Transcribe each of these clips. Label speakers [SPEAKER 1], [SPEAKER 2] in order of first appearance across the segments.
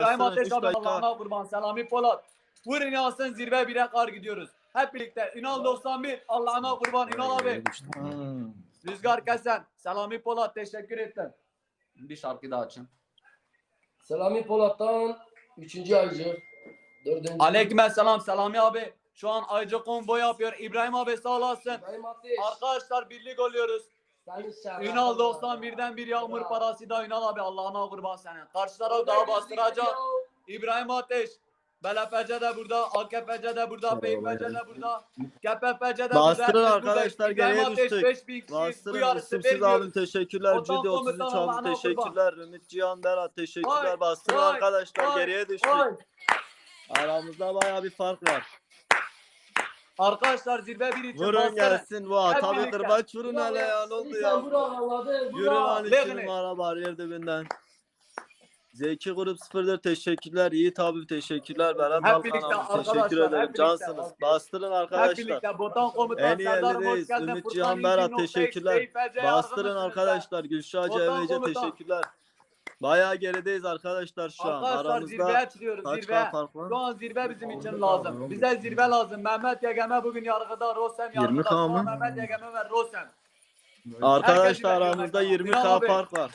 [SPEAKER 1] İbrahim Ateş
[SPEAKER 2] 3
[SPEAKER 1] abi
[SPEAKER 2] dakika.
[SPEAKER 1] Allah'ına kurban. Selami Polat. Vurun yansın zirve 1'e kar gidiyoruz. Hep birlikte. Ünal 91. Allah'ına kurban. Ünal abi. Rüzgar Kesen. Selami Polat. Teşekkür ettim. Bir şarkı daha açın.
[SPEAKER 3] Selami Polat'tan 3. aycı. 4.
[SPEAKER 1] Aleykümselam Selami abi. Şu an Aycı combo yapıyor. İbrahim abi sağ olasın.
[SPEAKER 3] İbrahim Ateş.
[SPEAKER 1] Arkadaşlar birlik oluyoruz. Ünal 91'den bir yağmur parası da Ünal abi Allah'ına kurban senin. Karşı taraf daha bastıracak. İbrahim Ateş. BLPC de burada, AKPC de burada, PYPC de burada, KPPC de burada.
[SPEAKER 2] Bastırın arkadaşlar, geriye düştük.
[SPEAKER 1] 5000 kişi bu
[SPEAKER 2] Bastırın.
[SPEAKER 1] yarışı
[SPEAKER 2] İsimsiz
[SPEAKER 1] vermiyor.
[SPEAKER 2] abim teşekkürler.
[SPEAKER 1] Vatan
[SPEAKER 2] Cüdi 33
[SPEAKER 1] komutanı
[SPEAKER 2] abim
[SPEAKER 1] Allah'ına
[SPEAKER 2] teşekkürler. Ümit Cihan Berat teşekkürler.
[SPEAKER 1] Vay,
[SPEAKER 2] Bastırın
[SPEAKER 1] vay,
[SPEAKER 2] arkadaşlar,
[SPEAKER 1] vay,
[SPEAKER 2] geriye düştük.
[SPEAKER 1] vay.
[SPEAKER 2] Aramızda baya bir fark var.
[SPEAKER 1] Arkadaşlar zirve bir için
[SPEAKER 2] Vurun
[SPEAKER 1] bastırın.
[SPEAKER 2] gelsin bu
[SPEAKER 1] Hep
[SPEAKER 2] tabi
[SPEAKER 1] birlikte.
[SPEAKER 2] kırbaç vurun hele ya, ne oldu ya? Yürü lan 2
[SPEAKER 1] Lekne.
[SPEAKER 2] numara bariyer dibinden. Zeki Grup 04 teşekkürler. Yiğit abi teşekkürler. Berat
[SPEAKER 1] Hep
[SPEAKER 2] Balkan
[SPEAKER 1] birlikte
[SPEAKER 2] abi teşekkür
[SPEAKER 1] arkadaşlar,
[SPEAKER 2] ederim.
[SPEAKER 1] hep birlikte.
[SPEAKER 2] Cansınız. Bastırın
[SPEAKER 1] Hep
[SPEAKER 2] arkadaşlar.
[SPEAKER 1] birlikte Botan Komutan
[SPEAKER 2] En iyi
[SPEAKER 1] Serdar hoş
[SPEAKER 2] yerdeyiz.
[SPEAKER 1] geldin.
[SPEAKER 2] Ümit
[SPEAKER 1] Furkan
[SPEAKER 2] Cihan Berat
[SPEAKER 1] 2.8
[SPEAKER 2] teşekkürler.
[SPEAKER 1] PYPC
[SPEAKER 2] Bastırın
[SPEAKER 1] yardımcısınız.
[SPEAKER 2] arkadaşlar. Gülşah
[SPEAKER 1] Botan
[SPEAKER 2] Cevece
[SPEAKER 1] Komutan.
[SPEAKER 2] teşekkürler. Bayağı gerideyiz arkadaşlar şu an.
[SPEAKER 1] Arkadaşlar zirveye
[SPEAKER 2] Aramızda
[SPEAKER 1] çıkıyoruz.
[SPEAKER 2] kaç
[SPEAKER 1] Zirve.
[SPEAKER 2] kan fark var?
[SPEAKER 1] Şu an zirve bizim için lazım. Bize zirve lazım. Mehmet Yegeme bugün yargıda. Rosem
[SPEAKER 2] 20
[SPEAKER 1] yargıda.
[SPEAKER 2] kan
[SPEAKER 1] Şu an
[SPEAKER 2] mı?
[SPEAKER 1] Mehmet Yegeme ve Rosem.
[SPEAKER 2] Arkadaşlar
[SPEAKER 1] Herkes
[SPEAKER 2] aramızda
[SPEAKER 1] bekliyor.
[SPEAKER 2] 20
[SPEAKER 1] Ünal
[SPEAKER 2] kan
[SPEAKER 1] abi.
[SPEAKER 2] fark var.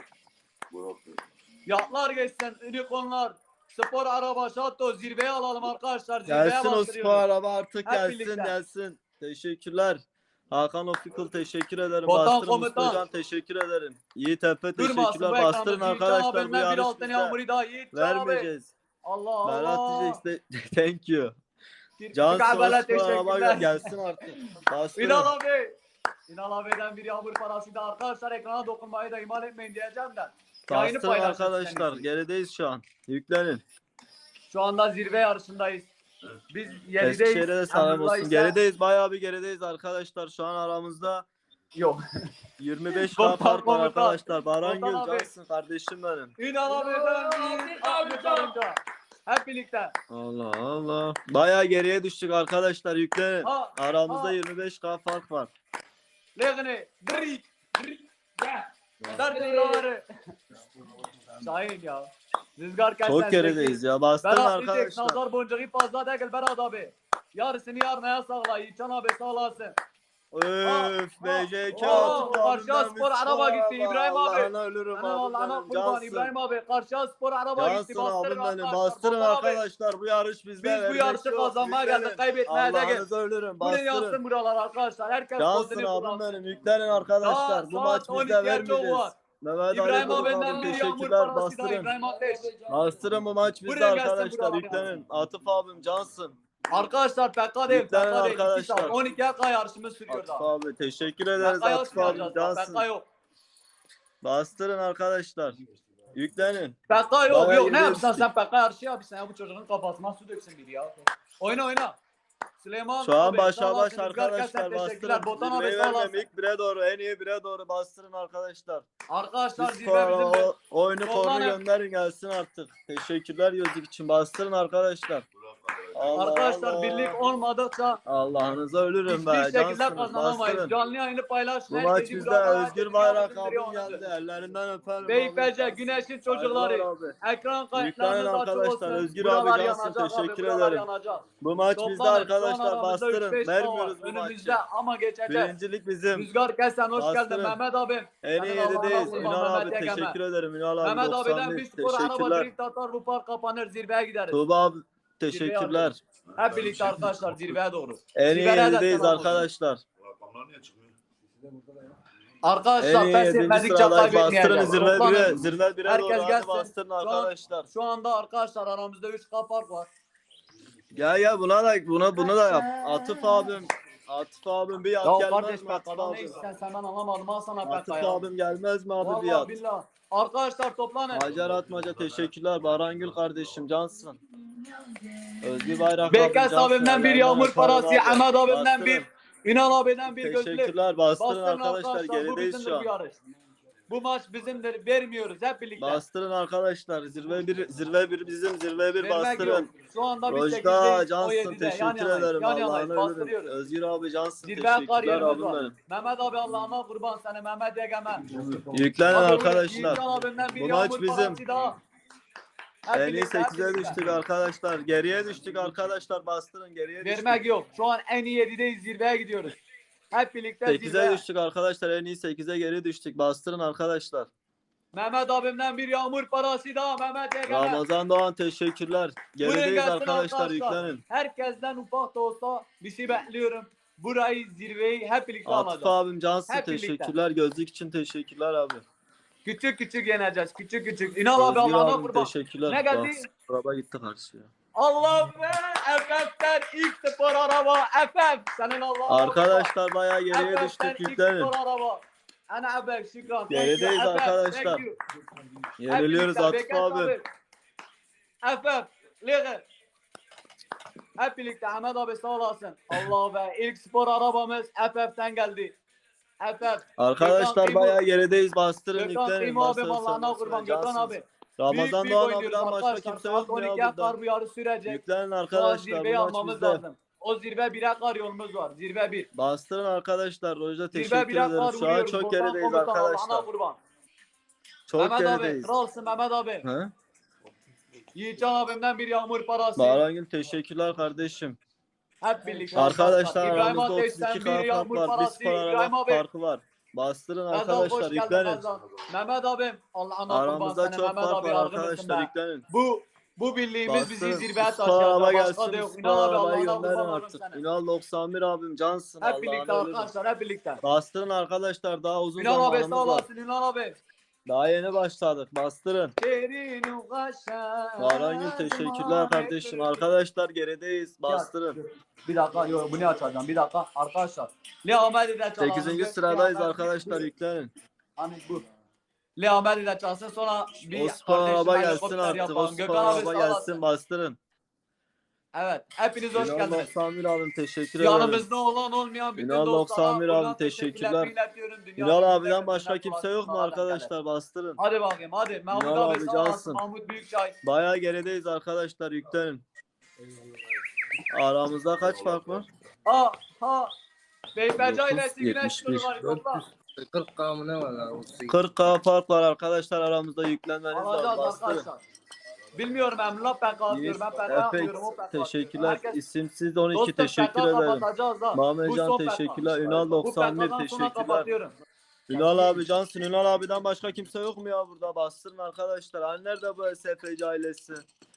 [SPEAKER 1] Yatlar geçsin. Unicornlar. Spor araba şato. Zirveye alalım arkadaşlar. Zirveye
[SPEAKER 2] Gelsin o spor
[SPEAKER 1] bastırıyoruz.
[SPEAKER 2] araba artık,
[SPEAKER 1] Hep
[SPEAKER 2] gelsin
[SPEAKER 1] birlikte.
[SPEAKER 2] gelsin. Teşekkürler. Hakan Ofikul teşekkür ederim.
[SPEAKER 1] Botan
[SPEAKER 2] Bastırın
[SPEAKER 1] Komutan.
[SPEAKER 2] Mustafa Can teşekkür ederim. Yiğit Efe
[SPEAKER 1] Durmasın
[SPEAKER 2] teşekkürler.
[SPEAKER 1] bu
[SPEAKER 2] Bastırın
[SPEAKER 1] ekranı.
[SPEAKER 2] arkadaşlar, bu
[SPEAKER 1] Yiğitcan
[SPEAKER 2] yarış
[SPEAKER 1] bir altın
[SPEAKER 2] bizde.
[SPEAKER 1] yağmuru daha. Yiğitcan abi.
[SPEAKER 2] Vermeyeceğiz.
[SPEAKER 1] Allah
[SPEAKER 2] Berat
[SPEAKER 1] Allah.
[SPEAKER 2] diyeceksin de thank you.
[SPEAKER 1] Can
[SPEAKER 2] Can
[SPEAKER 1] Kabala
[SPEAKER 2] spor araba
[SPEAKER 1] teşekkürler.
[SPEAKER 2] gelsin artık. Bastırın.
[SPEAKER 1] Ünal abi. Ünal abi'den bir yağmur parası da arkadaşlar ekrana dokunmayı da ihmal etmeyin diyeceğim de. Yayını
[SPEAKER 2] Bastırın
[SPEAKER 1] paylaşın
[SPEAKER 2] arkadaşlar.
[SPEAKER 1] sizden.
[SPEAKER 2] Gerideyiz şu an. Yüklenin.
[SPEAKER 1] Şu anda zirve yarışındayız. Biz 7'deyiz.
[SPEAKER 2] Eskişehir'e de selam
[SPEAKER 1] Emrullah
[SPEAKER 2] olsun.
[SPEAKER 1] ise-
[SPEAKER 2] Gerideyiz. Bayağı bir gerideyiz arkadaşlar. Şu an aramızda
[SPEAKER 1] Yok.
[SPEAKER 2] 25
[SPEAKER 1] Botan
[SPEAKER 2] kan fark var
[SPEAKER 1] Komutan.
[SPEAKER 2] arkadaşlar. Baran
[SPEAKER 1] Botan
[SPEAKER 2] Gül
[SPEAKER 1] abi.
[SPEAKER 2] cansın kardeşim benim.
[SPEAKER 1] Ünal abi'den bir Ahmet Arınca. Hep birlikte.
[SPEAKER 2] Allah Allah. Bayağı geriye düştük arkadaşlar, yüklenin.
[SPEAKER 1] Ha,
[SPEAKER 2] Aramızda
[SPEAKER 1] ha.
[SPEAKER 2] 25K fark var.
[SPEAKER 1] Legni. Drik. Drik. Gel. Dört liraları. Şahin ya. Rüzgar kaç
[SPEAKER 2] Çok gerideyiz ya. Bastırın
[SPEAKER 1] Berat diyecek
[SPEAKER 2] arkadaşlar.
[SPEAKER 1] nazar boncuğu fazla değil Berat abi. Yarısını yarmaya sağla. Yiğitcan abi sağ olasın.
[SPEAKER 2] Öf BJK
[SPEAKER 1] Oo,
[SPEAKER 2] atıp
[SPEAKER 1] karşıya
[SPEAKER 2] abimden
[SPEAKER 1] spor
[SPEAKER 2] bir
[SPEAKER 1] araba gitti,
[SPEAKER 2] araba.
[SPEAKER 1] İbrahim abi.
[SPEAKER 2] Allah'ına ölürüm
[SPEAKER 1] Allah'ına
[SPEAKER 2] abim benim.
[SPEAKER 1] kurban İbrahim abi. Karşıya spor araba gitti.
[SPEAKER 2] Cansın
[SPEAKER 1] Bastırın
[SPEAKER 2] abim benim.
[SPEAKER 1] arkadaşlar.
[SPEAKER 2] Bastırın
[SPEAKER 1] Botan abi.
[SPEAKER 2] arkadaşlar. Bu yarış bizde.
[SPEAKER 1] Biz bu
[SPEAKER 2] vermek
[SPEAKER 1] yarışı
[SPEAKER 2] yok.
[SPEAKER 1] kazanmaya
[SPEAKER 2] Yüklenin.
[SPEAKER 1] geldik. Kaybetmeye de gel.
[SPEAKER 2] Allah'ınıza ölürüm.
[SPEAKER 1] Buraya yansın
[SPEAKER 2] Bastırın.
[SPEAKER 1] buralar arkadaşlar. Herkes
[SPEAKER 2] Cansın
[SPEAKER 1] pozunu
[SPEAKER 2] abim
[SPEAKER 1] kullansın.
[SPEAKER 2] benim. Yüklenin arkadaşlar. Bu
[SPEAKER 1] Saat
[SPEAKER 2] maç bizde
[SPEAKER 1] 12'ye çok
[SPEAKER 2] vermeyeceğiz.
[SPEAKER 1] var.
[SPEAKER 2] Mehmet
[SPEAKER 1] İbrahim
[SPEAKER 2] Ali Grup
[SPEAKER 1] abi'nden
[SPEAKER 2] abim
[SPEAKER 1] bir yağmur
[SPEAKER 2] teşekkürler.
[SPEAKER 1] parası da
[SPEAKER 2] Bastırın.
[SPEAKER 1] İbrahim Ateş.
[SPEAKER 2] Bastırın, bu maç bizde
[SPEAKER 1] Buraya gelsin
[SPEAKER 2] arkadaşlar.
[SPEAKER 1] buralar.
[SPEAKER 2] Yüklenin. Atıf abim cansın.
[SPEAKER 1] Arkadaşlar PK değil.
[SPEAKER 2] Yüklenin
[SPEAKER 1] PK değil. 2
[SPEAKER 2] arkadaşlar.
[SPEAKER 1] saat. 12'ye kadar yarışımız sürüyor
[SPEAKER 2] Atıf
[SPEAKER 1] daha.
[SPEAKER 2] abi teşekkür ederiz.
[SPEAKER 1] PK yok
[SPEAKER 2] Atıf abim
[SPEAKER 1] yapacağız.
[SPEAKER 2] cansın.
[SPEAKER 1] PK yok.
[SPEAKER 2] Bastırın arkadaşlar. Yüklenin.
[SPEAKER 1] PK yok
[SPEAKER 2] Bayağı
[SPEAKER 1] yok. Ne
[SPEAKER 2] geriye
[SPEAKER 1] yapsan
[SPEAKER 2] düştük.
[SPEAKER 1] sen PK yarışı yapıyorsun ya bu çocuğun kafasına su döksün biri ya. Oyna oyna. Süleyman
[SPEAKER 2] Şu an
[SPEAKER 1] abi,
[SPEAKER 2] başa
[SPEAKER 1] sağ
[SPEAKER 2] baş
[SPEAKER 1] olasın. Rüzgar
[SPEAKER 2] arkadaşlar,
[SPEAKER 1] Kesen, teşekkürler.
[SPEAKER 2] bastırın.
[SPEAKER 1] Botan abi
[SPEAKER 2] Zirveyi
[SPEAKER 1] sağ olasın.
[SPEAKER 2] vermem, ilk bire doğru, en iyi bire doğru bastırın arkadaşlar.
[SPEAKER 1] Arkadaşlar
[SPEAKER 2] Biz
[SPEAKER 1] zirve bizim de.
[SPEAKER 2] oyunu kornu
[SPEAKER 1] Toplanın.
[SPEAKER 2] gönderin gelsin artık. Teşekkürler gözlük için, bastırın arkadaşlar. Allah
[SPEAKER 1] Arkadaşlar
[SPEAKER 2] Allah.
[SPEAKER 1] birlik olmadıkça
[SPEAKER 2] Allah'ınıza ölürüm be.
[SPEAKER 1] hiçbir şekilde
[SPEAKER 2] Cansınız,
[SPEAKER 1] kazanamayız.
[SPEAKER 2] bastırın.
[SPEAKER 1] Canlı yayını paylaşın.
[SPEAKER 2] Bu maç
[SPEAKER 1] herkesi
[SPEAKER 2] bizde.
[SPEAKER 1] buradan
[SPEAKER 2] Özgür
[SPEAKER 1] herkesi
[SPEAKER 2] Bayrak
[SPEAKER 1] yardımcı
[SPEAKER 2] abim geldi. Ellerinden öperim.
[SPEAKER 1] Beypece,
[SPEAKER 2] abi.
[SPEAKER 1] Güneş'in
[SPEAKER 2] Saygılar
[SPEAKER 1] çocukları.
[SPEAKER 2] abi.
[SPEAKER 1] Ekran
[SPEAKER 2] Yüklenin
[SPEAKER 1] kayıtlarınız açık
[SPEAKER 2] arkadaşlar.
[SPEAKER 1] olsun.
[SPEAKER 2] Özgür
[SPEAKER 1] Buralar
[SPEAKER 2] abi cansın,
[SPEAKER 1] yanacak abi,
[SPEAKER 2] teşekkür
[SPEAKER 1] buralar
[SPEAKER 2] ederim.
[SPEAKER 1] yanacak.
[SPEAKER 2] Bu maç bizde
[SPEAKER 1] Toplanın, şu an
[SPEAKER 2] arkadaşlar,
[SPEAKER 1] aramızda
[SPEAKER 2] bastırın.
[SPEAKER 1] 3-5
[SPEAKER 2] Vermiyoruz
[SPEAKER 1] puan
[SPEAKER 2] bu
[SPEAKER 1] var. Önümüzde
[SPEAKER 2] maçı.
[SPEAKER 1] ama geçeceğiz.
[SPEAKER 2] Birincilik bizim.
[SPEAKER 1] Rüzgar Kesen hoş
[SPEAKER 2] Bastırın.
[SPEAKER 1] geldin Mehmet abi.
[SPEAKER 2] En iyi yedideyiz. Ünal abi
[SPEAKER 1] Mehmet Yegeme.
[SPEAKER 2] teşekkür ederim. Ünal abi
[SPEAKER 1] Mehmet abiden
[SPEAKER 2] 91
[SPEAKER 1] bir spor araba
[SPEAKER 2] teşekkürler.
[SPEAKER 1] drift atar bu park kapanır zirveye gideriz.
[SPEAKER 2] Tuğba abi teşekkürler.
[SPEAKER 1] Hep birlikte arkadaşlar zirveye doğru.
[SPEAKER 2] En iyi
[SPEAKER 1] Zirveye de
[SPEAKER 2] yedideyiz
[SPEAKER 1] selam olsun.
[SPEAKER 2] arkadaşlar.
[SPEAKER 4] Rakamlar niye çıkmıyor?
[SPEAKER 1] Arkadaşlar
[SPEAKER 2] En iyi
[SPEAKER 1] pes
[SPEAKER 2] 7.
[SPEAKER 1] etmedikçe
[SPEAKER 2] sıradayız. Bastırın
[SPEAKER 1] kaybetmeyeceğiz.
[SPEAKER 2] zirve 1'e.
[SPEAKER 1] Toplanın.
[SPEAKER 2] Zirve 1'e
[SPEAKER 1] Herkes
[SPEAKER 2] doğru. Hadi
[SPEAKER 1] gelsin.
[SPEAKER 2] bastırın
[SPEAKER 1] Şu an-
[SPEAKER 2] arkadaşlar.
[SPEAKER 1] Şu anda arkadaşlar aramızda 3 fark var.
[SPEAKER 2] Gel bunu da yap. Atıf abim bir
[SPEAKER 1] Ya
[SPEAKER 2] yat gelmez
[SPEAKER 1] kardeş
[SPEAKER 2] mi
[SPEAKER 1] bak
[SPEAKER 2] Atıf
[SPEAKER 1] adam ne
[SPEAKER 2] abim?
[SPEAKER 1] istersen senden anlamadım al sana
[SPEAKER 2] Atıf
[SPEAKER 1] PK ya.
[SPEAKER 2] abim gelmez mi abi bir
[SPEAKER 1] Vallahi
[SPEAKER 2] yat?
[SPEAKER 1] billah. Arkadaşlar toplanın.
[SPEAKER 2] Hacer Atmaca teşekkürler. Barangül kardeşim cansın. Özgür Bayrak abim
[SPEAKER 1] Beykes
[SPEAKER 2] cansın.
[SPEAKER 1] abimden bir
[SPEAKER 2] Ellerinden
[SPEAKER 1] yağmur
[SPEAKER 2] öperim
[SPEAKER 1] parası,
[SPEAKER 2] abi.
[SPEAKER 1] Ahmet abimden
[SPEAKER 2] Bastırın.
[SPEAKER 1] bir, Ünal abiden bir gözlük.
[SPEAKER 2] Teşekkürler. Bastırın
[SPEAKER 1] Bastırın
[SPEAKER 2] arkadaşlar.
[SPEAKER 1] bu
[SPEAKER 2] Gerideyiz
[SPEAKER 1] bizimdir
[SPEAKER 2] şu
[SPEAKER 1] bu
[SPEAKER 2] an.
[SPEAKER 1] yarış. Bu maç bizimdir. Vermiyoruz hep birlikte.
[SPEAKER 2] Bastırın arkadaşlar. Zirve bir bizim. Zirve bir
[SPEAKER 1] Vermek yok.
[SPEAKER 2] bastırın.
[SPEAKER 1] Şu anda biz
[SPEAKER 2] Rojda
[SPEAKER 1] 8'deyiz.
[SPEAKER 2] cansın.
[SPEAKER 1] 17'de. Yan
[SPEAKER 2] Teşekkür
[SPEAKER 1] yanayız.
[SPEAKER 2] ederim.
[SPEAKER 1] Yan yanayız.
[SPEAKER 2] Allah'ını ölürüm.
[SPEAKER 1] Bastırıyoruz.
[SPEAKER 2] Özgür abi cansın.
[SPEAKER 1] Zirve kar
[SPEAKER 2] Teşekkürler
[SPEAKER 1] yerimiz
[SPEAKER 2] abim
[SPEAKER 1] var.
[SPEAKER 2] benim.
[SPEAKER 1] Mehmet abi Allah'ına kurban seni. Mehmet Yegeme.
[SPEAKER 2] Yüklenin
[SPEAKER 1] Abi,
[SPEAKER 2] arkadaşlar.
[SPEAKER 1] Yiğitcan abimden bir
[SPEAKER 2] Bu maç
[SPEAKER 1] yağmur
[SPEAKER 2] bizim.
[SPEAKER 1] parası daha.
[SPEAKER 2] En iyi
[SPEAKER 1] birlikte,
[SPEAKER 2] 8'e
[SPEAKER 1] birlikte.
[SPEAKER 2] düştük arkadaşlar. Geriye düştük arkadaşlar. Bastırın geriye düştük.
[SPEAKER 1] Vermek yok. Şu an en iyi 7'deyiz. Zirveye gidiyoruz. Hep birlikte
[SPEAKER 2] 8'e
[SPEAKER 1] zirveye.
[SPEAKER 2] düştük arkadaşlar. En iyi 8'e geri düştük. Bastırın arkadaşlar.
[SPEAKER 1] Mehmet abimden bir yağmur parası daha. Mehmet Ege'ne.
[SPEAKER 2] Ramazan Doğan teşekkürler.
[SPEAKER 1] Buyurun
[SPEAKER 2] Gerideyiz
[SPEAKER 1] gelsin
[SPEAKER 2] arkadaşlar. Yüklenin.
[SPEAKER 1] Herkesten ufak da olsa bir şey bekliyorum. Burayı, zirveyi hep birlikte
[SPEAKER 2] Atıf
[SPEAKER 1] alacağız.
[SPEAKER 2] abim cansın
[SPEAKER 1] Hep birlikte.
[SPEAKER 2] teşekkürler. Gözlük için teşekkürler abi.
[SPEAKER 1] Küçük küçük yeneceğiz. Küçük küçük. İnal abi
[SPEAKER 2] Özgür
[SPEAKER 1] Allah'ına
[SPEAKER 2] abim
[SPEAKER 1] kurban.
[SPEAKER 2] teşekkürler.
[SPEAKER 1] Ne geldi?
[SPEAKER 2] Araba gitti karşıya.
[SPEAKER 1] Allah be! FF'den ilk spor araba. FF. Senin Allah'ına
[SPEAKER 2] Arkadaşlar bayağı geriye
[SPEAKER 1] FF'den
[SPEAKER 2] düştük.
[SPEAKER 1] ilk
[SPEAKER 2] Yüklenin.
[SPEAKER 1] spor araba. Ana haber şükran. Thank you,
[SPEAKER 2] Gerideyiz
[SPEAKER 1] FF.
[SPEAKER 2] arkadaşlar.
[SPEAKER 1] Thank you.
[SPEAKER 2] Yeniliyoruz
[SPEAKER 1] Hep
[SPEAKER 2] Atıf
[SPEAKER 1] birlikte,
[SPEAKER 2] abi.
[SPEAKER 1] FF. Lige. Hep birlikte Ahmet abi sağ olasın. Allah be. İlk spor arabamız FF'den geldi. FF.
[SPEAKER 2] Arkadaşlar
[SPEAKER 1] Gökhan
[SPEAKER 2] bayağı gerideyiz. Bastırın
[SPEAKER 1] Gökhan
[SPEAKER 2] yüklenin.
[SPEAKER 1] Kıyma abim
[SPEAKER 2] Bastırın,
[SPEAKER 1] Allah'ına
[SPEAKER 2] bastırın,
[SPEAKER 1] kurban. Gökhan
[SPEAKER 2] cansınız.
[SPEAKER 1] abi.
[SPEAKER 2] Ramazan
[SPEAKER 1] Büyük
[SPEAKER 2] Doğan
[SPEAKER 1] oynuyoruz
[SPEAKER 2] abiden başka
[SPEAKER 1] arkadaşlar.
[SPEAKER 2] kimse
[SPEAKER 1] Saat
[SPEAKER 2] yok mu ya
[SPEAKER 1] 12'ye
[SPEAKER 2] burada?
[SPEAKER 1] kar bu yarı sürecek.
[SPEAKER 2] Yüklenin
[SPEAKER 1] Şu an
[SPEAKER 2] arkadaşlar.
[SPEAKER 1] zirveyi
[SPEAKER 2] Bu maç
[SPEAKER 1] almamız
[SPEAKER 2] bizde.
[SPEAKER 1] lazım. O zirve 1'e kar yolumuz var. Zirve 1.
[SPEAKER 2] Bastırın arkadaşlar. Rojda
[SPEAKER 1] Zirve
[SPEAKER 2] teşekkür
[SPEAKER 1] 1'e
[SPEAKER 2] ederim.
[SPEAKER 1] kar
[SPEAKER 2] Şu an
[SPEAKER 1] vuruyoruz.
[SPEAKER 2] çok
[SPEAKER 1] Buradan
[SPEAKER 2] gerideyiz
[SPEAKER 1] komutan Allah'ına
[SPEAKER 2] arkadaşlar.
[SPEAKER 1] kurban.
[SPEAKER 2] Çok
[SPEAKER 1] Mehmet abi.
[SPEAKER 2] gerideyiz.
[SPEAKER 1] Kralsın Mehmet abi.
[SPEAKER 2] He?
[SPEAKER 1] Yiğitcan abimden bir yağmur parası.
[SPEAKER 2] Bahrangül teşekkürler kardeşim.
[SPEAKER 1] Hep birlikte.
[SPEAKER 2] Arkadaşlar
[SPEAKER 1] İbrahim
[SPEAKER 2] aramızda
[SPEAKER 1] Ateş'ten
[SPEAKER 2] 32
[SPEAKER 1] bir
[SPEAKER 2] fark
[SPEAKER 1] yağmur
[SPEAKER 2] var. Bir
[SPEAKER 1] parası.
[SPEAKER 2] spor
[SPEAKER 1] İbrahim
[SPEAKER 2] araba
[SPEAKER 1] abi.
[SPEAKER 2] farkı var. Bastırın
[SPEAKER 1] Gazal hoş
[SPEAKER 2] arkadaşlar.
[SPEAKER 1] geldin
[SPEAKER 2] Yüklenin.
[SPEAKER 1] Gazal. Mehmet abim. Allah'ına kurban
[SPEAKER 2] Aramızda
[SPEAKER 1] seni
[SPEAKER 2] çok
[SPEAKER 1] Mehmet
[SPEAKER 2] fark
[SPEAKER 1] abi
[SPEAKER 2] var
[SPEAKER 1] yardımcısın
[SPEAKER 2] arkadaşlar.
[SPEAKER 1] be.
[SPEAKER 2] Yüklenin.
[SPEAKER 1] Bu birliğimiz bizi
[SPEAKER 2] Bastırın.
[SPEAKER 1] zirveye
[SPEAKER 2] Spor araba
[SPEAKER 1] taşıyacak. Başka
[SPEAKER 2] gelsin.
[SPEAKER 1] da yok.
[SPEAKER 2] Spor
[SPEAKER 1] İnan abi
[SPEAKER 2] arabayı
[SPEAKER 1] Allah'ına
[SPEAKER 2] gönderin
[SPEAKER 1] kurban olurum
[SPEAKER 2] artık.
[SPEAKER 1] sana.
[SPEAKER 2] Ünal 91 abim cansın.
[SPEAKER 1] Hep birlikte
[SPEAKER 2] Allah'ın ölürüm.
[SPEAKER 1] arkadaşlar hep birlikte.
[SPEAKER 2] Bastırın arkadaşlar. Daha uzun
[SPEAKER 1] Ünal abi sağ
[SPEAKER 2] zamanımız var.
[SPEAKER 1] olasın Ünal abi.
[SPEAKER 2] Daha yeni başladık. Bastırın.
[SPEAKER 1] Derinu kaşa.
[SPEAKER 2] Bahrangül teşekkürler kardeşim. Arkadaşlar gerideyiz. Bastırın.
[SPEAKER 1] Bir dakika yok bunu açacağım bir dakika arkadaşlar. Leo Ahmet'i de çalalım.
[SPEAKER 2] 8. sıradayız arkadaşlar. Yüklenin.
[SPEAKER 1] Hani bu. Leo Ahmet'i de çalsın sonra bir
[SPEAKER 2] O spor araba
[SPEAKER 1] kardeşime
[SPEAKER 2] gelsin
[SPEAKER 1] helikopter
[SPEAKER 2] artık. O
[SPEAKER 1] yapalım.
[SPEAKER 2] spor
[SPEAKER 1] Gökhan abi
[SPEAKER 2] araba
[SPEAKER 1] sağ
[SPEAKER 2] gelsin.
[SPEAKER 1] olasın.
[SPEAKER 2] Bastırın.
[SPEAKER 1] Evet hepiniz hoş
[SPEAKER 2] Ünal
[SPEAKER 1] geldiniz.
[SPEAKER 2] 91 abim teşekkür ederim.
[SPEAKER 1] Yanımızda olan olmayan bütün
[SPEAKER 2] Ünal
[SPEAKER 1] dostlara
[SPEAKER 2] 91
[SPEAKER 1] buradan
[SPEAKER 2] abi, teşekkürler.
[SPEAKER 1] iletiyorum. Dünya
[SPEAKER 2] Ünal
[SPEAKER 1] üzerinde
[SPEAKER 2] abiden başka
[SPEAKER 1] millet
[SPEAKER 2] kimse yok mu
[SPEAKER 1] dolaşsın,
[SPEAKER 2] arkadaşlar? Bastırın.
[SPEAKER 1] Hadi bakayım hadi. Mahmut
[SPEAKER 2] Ünal
[SPEAKER 1] abi
[SPEAKER 2] abi
[SPEAKER 1] sağ olasın.
[SPEAKER 2] cansın.
[SPEAKER 1] Mahmut Büyükçay.
[SPEAKER 2] Bayağı gerideyiz arkadaşlar. Yüklenin. Aramızda kaç fark var?
[SPEAKER 1] Ha ha. Beyperci
[SPEAKER 2] 9,
[SPEAKER 1] ailesi güneş
[SPEAKER 2] 71.
[SPEAKER 1] nuru var. Topla.
[SPEAKER 3] 40 kamı ne var lan?
[SPEAKER 2] 40K fark var arkadaşlar. Aramızda yüklenmeniz lazım.
[SPEAKER 1] Alacağız
[SPEAKER 2] Bastırın.
[SPEAKER 1] arkadaşlar. Bilmiyorum Emrullah PK atıyorum. Ben PK yapmıyorum. O PK atıyor.
[SPEAKER 2] Teşekkürler.
[SPEAKER 1] Herkes
[SPEAKER 2] İsimsiz 12
[SPEAKER 1] dostum
[SPEAKER 2] teşekkür
[SPEAKER 1] PK
[SPEAKER 2] ederim.
[SPEAKER 1] kapatacağız da. Bu
[SPEAKER 2] Mahmetcan
[SPEAKER 1] son PK.
[SPEAKER 2] teşekkürler. Ünal
[SPEAKER 1] Bu
[SPEAKER 2] 91
[SPEAKER 1] PK'dan sonra
[SPEAKER 2] teşekkürler.
[SPEAKER 1] kapatıyorum.
[SPEAKER 2] Ünal abi cansın. Ünal abiden başka kimse yok mu ya burada? Bastırın arkadaşlar. Hani nerede bu SFC ailesi?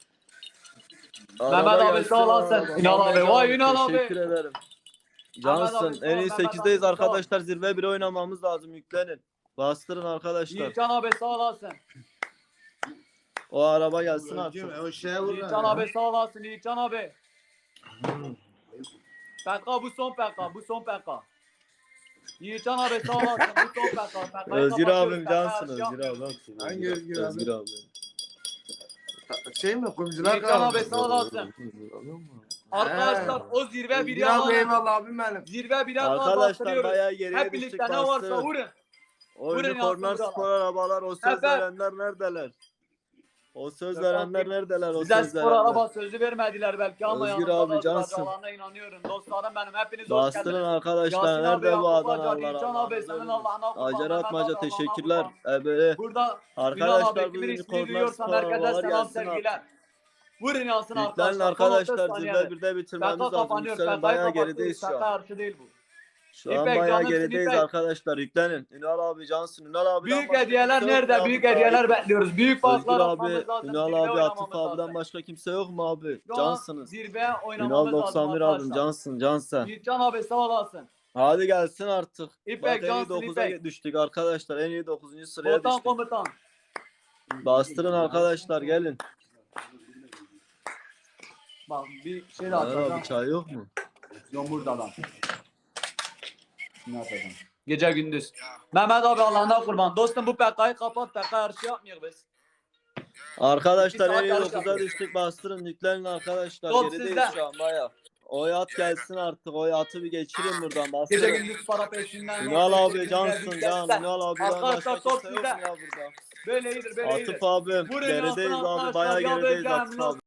[SPEAKER 1] Mehmet
[SPEAKER 2] Araba
[SPEAKER 1] abi
[SPEAKER 2] gelsin,
[SPEAKER 1] sağ olasın.
[SPEAKER 2] araba.
[SPEAKER 1] Ünal abi,
[SPEAKER 2] Mahmetcan
[SPEAKER 1] vay Ünal abi.
[SPEAKER 2] Teşekkür ederim.
[SPEAKER 1] Mehmet
[SPEAKER 2] Cansın.
[SPEAKER 1] abi, sağ
[SPEAKER 2] En
[SPEAKER 1] ol,
[SPEAKER 2] iyi
[SPEAKER 1] Mehmet
[SPEAKER 2] 8'deyiz
[SPEAKER 1] abi, sağ ol.
[SPEAKER 2] arkadaşlar. Zirve bir oynamamız lazım. Yüklenin. Bastırın arkadaşlar.
[SPEAKER 1] Yiğitcan abi sağ olasın.
[SPEAKER 2] O araba gelsin artık.
[SPEAKER 1] Yiğitcan abi sağ olasın. Yiğitcan abi. PK bu son PK. Bu son PK. Yiğitcan abi sağ olasın. Bu son PK. PK'yı
[SPEAKER 2] Özgür
[SPEAKER 1] kapatıyoruz.
[SPEAKER 2] abim
[SPEAKER 1] PK
[SPEAKER 2] cansın.
[SPEAKER 1] yarışı
[SPEAKER 2] Özgür
[SPEAKER 1] yapmıyoruz.
[SPEAKER 2] abim.
[SPEAKER 4] Hangi Özgür abi?
[SPEAKER 2] Özgür abi.
[SPEAKER 4] Şey mi? Kumcular
[SPEAKER 1] Yiğitcan abi sağ olasın. Arkadaşlar o zirve bir
[SPEAKER 4] Ya
[SPEAKER 1] yalan.
[SPEAKER 4] eyvallah abim benim.
[SPEAKER 1] Zirve bir yalan
[SPEAKER 2] Arkadaşlar
[SPEAKER 1] bastırıyoruz.
[SPEAKER 2] bayağı geriye
[SPEAKER 1] Hep
[SPEAKER 2] düştük.
[SPEAKER 1] birlikte ne varsa
[SPEAKER 2] Bastırın.
[SPEAKER 1] vurun.
[SPEAKER 2] Oyuncu
[SPEAKER 1] Vurun
[SPEAKER 2] korner
[SPEAKER 1] yansın
[SPEAKER 2] spor arabalar. O söz
[SPEAKER 1] Evet.
[SPEAKER 2] verenler neredeler? O söz
[SPEAKER 1] Gökhan
[SPEAKER 2] verenler
[SPEAKER 1] Bey,
[SPEAKER 2] neredeler? O
[SPEAKER 1] Bize
[SPEAKER 2] söz
[SPEAKER 1] spor
[SPEAKER 2] verenler.
[SPEAKER 1] araba sözü vermediler belki ama
[SPEAKER 2] Özgür
[SPEAKER 1] yanımda
[SPEAKER 2] abi, cansın.
[SPEAKER 1] duracağına inanıyorum. Dostlarım benim hepiniz hoş
[SPEAKER 2] Bastırın
[SPEAKER 1] geldiniz.
[SPEAKER 2] arkadaşlar.
[SPEAKER 1] Yasin abi,
[SPEAKER 2] Nerede bu
[SPEAKER 1] Yakup Hoca,
[SPEAKER 2] Adanalılar?
[SPEAKER 1] Yiğitcan abi senin Allah'ına kurban.
[SPEAKER 2] Acar
[SPEAKER 1] Mehmet
[SPEAKER 2] Atmaca
[SPEAKER 1] abi, Allah'ına
[SPEAKER 2] teşekkürler.
[SPEAKER 1] kurban.
[SPEAKER 2] Böyle
[SPEAKER 1] Burada Ünal
[SPEAKER 2] arkadaşlar
[SPEAKER 1] abi
[SPEAKER 2] bu
[SPEAKER 1] kimin
[SPEAKER 2] oyuncu
[SPEAKER 1] ismini
[SPEAKER 2] korner
[SPEAKER 1] duyuyorsam
[SPEAKER 2] spor
[SPEAKER 1] herkese
[SPEAKER 2] arabalar
[SPEAKER 1] selam
[SPEAKER 2] gelsin artık.
[SPEAKER 1] sevgiler. Vurun yansın
[SPEAKER 2] Yüklenin
[SPEAKER 1] arkadaşlar.
[SPEAKER 2] arkadaşlar.
[SPEAKER 1] Son 30
[SPEAKER 2] Zirve
[SPEAKER 1] saniye.
[SPEAKER 2] 1'de bitirmemiz
[SPEAKER 1] PK
[SPEAKER 2] lazım.
[SPEAKER 1] kapanıyor.
[SPEAKER 2] Yükselin
[SPEAKER 1] PK'yı
[SPEAKER 2] bayağı
[SPEAKER 1] kapatıyoruz.
[SPEAKER 2] gerideyiz şu
[SPEAKER 1] PK
[SPEAKER 2] an.
[SPEAKER 1] yarışı değil bu.
[SPEAKER 2] Şu an
[SPEAKER 1] İpek,
[SPEAKER 2] bayağı
[SPEAKER 1] canımsın,
[SPEAKER 2] gerideyiz
[SPEAKER 1] İpek.
[SPEAKER 2] arkadaşlar. Yüklenin. Ünal abi cansın. Ünal abi.
[SPEAKER 1] Büyük hediyeler nerede? Büyük hediyeler bekliyoruz. Büyük
[SPEAKER 2] Özgür
[SPEAKER 1] farklar
[SPEAKER 2] abi,
[SPEAKER 1] atmamız lazım.
[SPEAKER 2] Ünal
[SPEAKER 1] zirve
[SPEAKER 2] abi,
[SPEAKER 1] oynamamız
[SPEAKER 2] Atıf
[SPEAKER 1] lazım.
[SPEAKER 2] abiden başka kimse yok mu abi?
[SPEAKER 1] Şu an
[SPEAKER 2] Cansınız.
[SPEAKER 1] zirve
[SPEAKER 2] Ünal
[SPEAKER 1] oynamamız lazım
[SPEAKER 2] 91 abim
[SPEAKER 1] arkadaşlar.
[SPEAKER 2] cansın cansen.
[SPEAKER 1] Yiğitcan abi sağ olasın.
[SPEAKER 2] Hadi gelsin artık.
[SPEAKER 1] İpek,
[SPEAKER 2] Bak en iyi
[SPEAKER 1] cansın,
[SPEAKER 2] 9'a
[SPEAKER 1] İpek.
[SPEAKER 2] düştük arkadaşlar. En iyi 9. sıraya
[SPEAKER 1] Komutan
[SPEAKER 2] düştük.
[SPEAKER 1] komutan.
[SPEAKER 2] Bastırın arkadaşlar gelin.
[SPEAKER 1] Bak bir şey de
[SPEAKER 2] Ömer
[SPEAKER 1] atacağım.
[SPEAKER 2] abi çay yok mu?
[SPEAKER 1] Yok burada lan. Ne yapacağım? Gece gündüz. Mehmet abi Allah'ına kurban. Dostum bu PK'yı kapat. PK yarışı yapmıyoruz biz.
[SPEAKER 2] Arkadaşlar
[SPEAKER 1] Bir saat
[SPEAKER 2] en iyi
[SPEAKER 1] yarış
[SPEAKER 2] 9'a
[SPEAKER 1] yapıyoruz.
[SPEAKER 2] düştük. Bastırın yüklenin arkadaşlar.
[SPEAKER 1] Top
[SPEAKER 2] Gerideyiz
[SPEAKER 1] sizde.
[SPEAKER 2] şu an baya. O yat gelsin artık. O yatı bir geçirin buradan.
[SPEAKER 1] Gece
[SPEAKER 2] Bastırın.
[SPEAKER 1] gündüz para peşinden.
[SPEAKER 2] Ünal abi
[SPEAKER 1] Gece
[SPEAKER 2] cansın
[SPEAKER 1] gündüz
[SPEAKER 2] can.
[SPEAKER 1] destek.
[SPEAKER 2] Ünal abiden
[SPEAKER 1] Arkadaşlar,
[SPEAKER 2] başka
[SPEAKER 1] top
[SPEAKER 2] kimse yok mu
[SPEAKER 1] sizde.
[SPEAKER 2] ya burada?
[SPEAKER 1] Böyle iyidir böyle iyidir.
[SPEAKER 2] Atıf abim.
[SPEAKER 1] Vurun
[SPEAKER 2] Gerideyiz
[SPEAKER 1] yansın
[SPEAKER 2] abi.
[SPEAKER 1] arkadaşlar,
[SPEAKER 2] Bayağı
[SPEAKER 1] ya
[SPEAKER 2] gerideyiz
[SPEAKER 1] Beycan,
[SPEAKER 2] Atıf abi.